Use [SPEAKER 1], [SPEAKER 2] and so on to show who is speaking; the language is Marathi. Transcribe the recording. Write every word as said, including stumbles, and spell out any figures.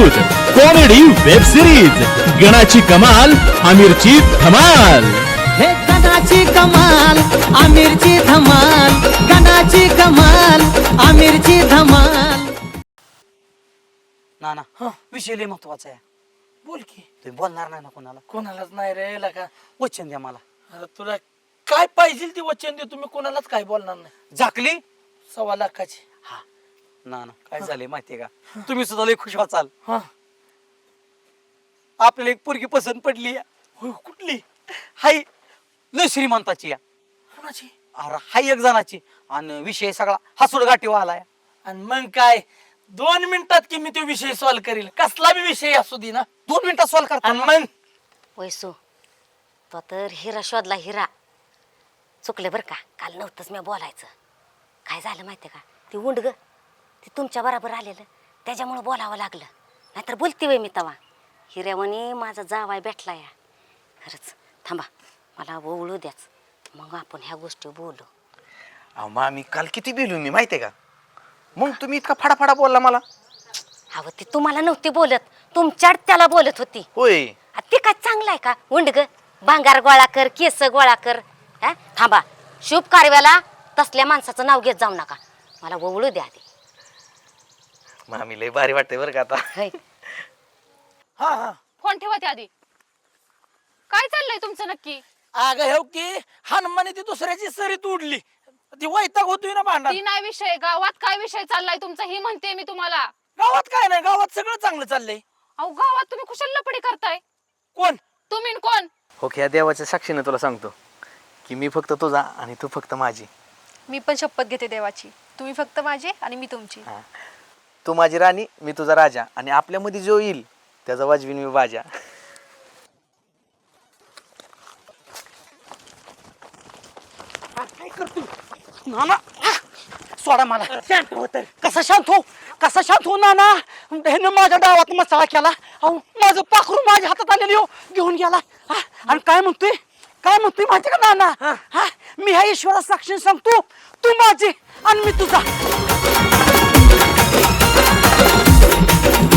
[SPEAKER 1] प्रस्तुत कॉमेडी वेब सिरीज गणाची कमाल आमिरची धमाल।
[SPEAKER 2] हे गणाची कमाल आमिरची धमाल, गणाची कमाल आमिरची धमाल।
[SPEAKER 3] ना ना विषय लय महत्वाचा आहे।
[SPEAKER 4] बोल की.
[SPEAKER 3] तुम्ही बोलणार नाही ना कोणाला?
[SPEAKER 4] कोणालाच नाही रे लका.
[SPEAKER 3] वचन द्या मला।
[SPEAKER 4] अरे तुला काय पाहिजे ती वचन दे, तुम्ही कोणालाच काय बोलणार नाही।
[SPEAKER 3] झाकली
[SPEAKER 4] सव्वा लाखाची.
[SPEAKER 3] हा ना ना काय झाले माहितीये का, तुम्ही सुद्धा लय खुश व्हाचाल।
[SPEAKER 4] हा
[SPEAKER 3] आपल्याला एक पोरगी पसंत पडली आहे।
[SPEAKER 4] होय, कुठली?
[SPEAKER 3] हाय लय श्रीमंताची आहे।
[SPEAKER 4] कोणाची?
[SPEAKER 3] अरे हाय एक जणाची, आणि विषय सगळा हसूड गाठी आलाय।
[SPEAKER 4] आणि मग काय दोन मिनिटात की मी तो विषय सॉल्व्ह करील, कसला बी विषय असू दे ना।
[SPEAKER 3] दोन मिनिटात सॉल्व करता
[SPEAKER 4] आणि मग
[SPEAKER 5] वैसू तो तर हिरा शोधला हिरा. चुकले बरं का, काल नव्हतंच मी बोलायचं. काय झालं माहिती का, ती उंड ग ती तुमच्या बरोबर आलेलं त्याच्यामुळं बोलावं लागलं, नाहीतर बोलती वय मी तवा. हिऱ्यावानी माझा जावाय भेटला या. खरंच थांबा, मला ओळू द्याच, मग आपण ह्या गोष्टी बोलू.
[SPEAKER 6] अहो मामी काल किती बिलू मी माहितीये का, मग तुम्ही इतका फडाफडा बोलला मला.
[SPEAKER 5] अहो ती तुम्हाला नव्हती बोलत, तुमच्यात त्याला बोलत होती.
[SPEAKER 6] होय
[SPEAKER 5] आ, ते काय चांगलं आहे का उंड ग, भांगार गोळा कर केस गोळा कर. हा थांबा, शुभ कार्याला तसल्या माणसाचं नाव घेत जाऊ नका, मला ओळू द्या आधी.
[SPEAKER 6] मामी लय भारी वाटतंय बरं का आता.
[SPEAKER 5] है.
[SPEAKER 4] हा हा
[SPEAKER 7] फोन ठेवा त्या आधी. काय चाललंय तुमचं नक्की?
[SPEAKER 4] अगं हो की हनुमाने ती दुसऱ्याची सरीत उडली, ती वैताग होतोय ना भांडण.
[SPEAKER 7] ती नाही विषय, गावात काय विषय चाललाय तुमचा ही म्हणते मी तुम्हाला.
[SPEAKER 4] गावात काय नाही, गावात सगळं चांगलं चाललंय.
[SPEAKER 7] अहो गावात तुम्ही कुशल लपडी करताय.
[SPEAKER 4] कोण?
[SPEAKER 7] तुम्ही न कोण?
[SPEAKER 6] हो की या देवाच्या साक्षीने तुला सांगतो की मी फक्त तुझा आणि तू फक्त माझी.
[SPEAKER 8] मी पण शपथ घेते देवाची, तुम्ही फक्त माझे आणि मी तुमची.
[SPEAKER 6] हा. तू माझी राणी, मी तुझा राजा, आणि आपल्यामध्ये जो येईल त्याचा वाजवीन मी बाजा.
[SPEAKER 3] काय करतो नाना? सोडा मला। शांत हो तर. कसा शांत हो, कसा शांत हो नाना? ह्यानं माझ्या डावात मसाला केला। अहो माझं पाखरू माझ्या हातात आलेली हो, घेऊन गेला। हा, आणि काय म्हणतोय काय म्हणतोय माहिती का नाना? हा मी ह्या ईश्वरा साक्षी सांगतो, तू माझी आणि मी तुझा.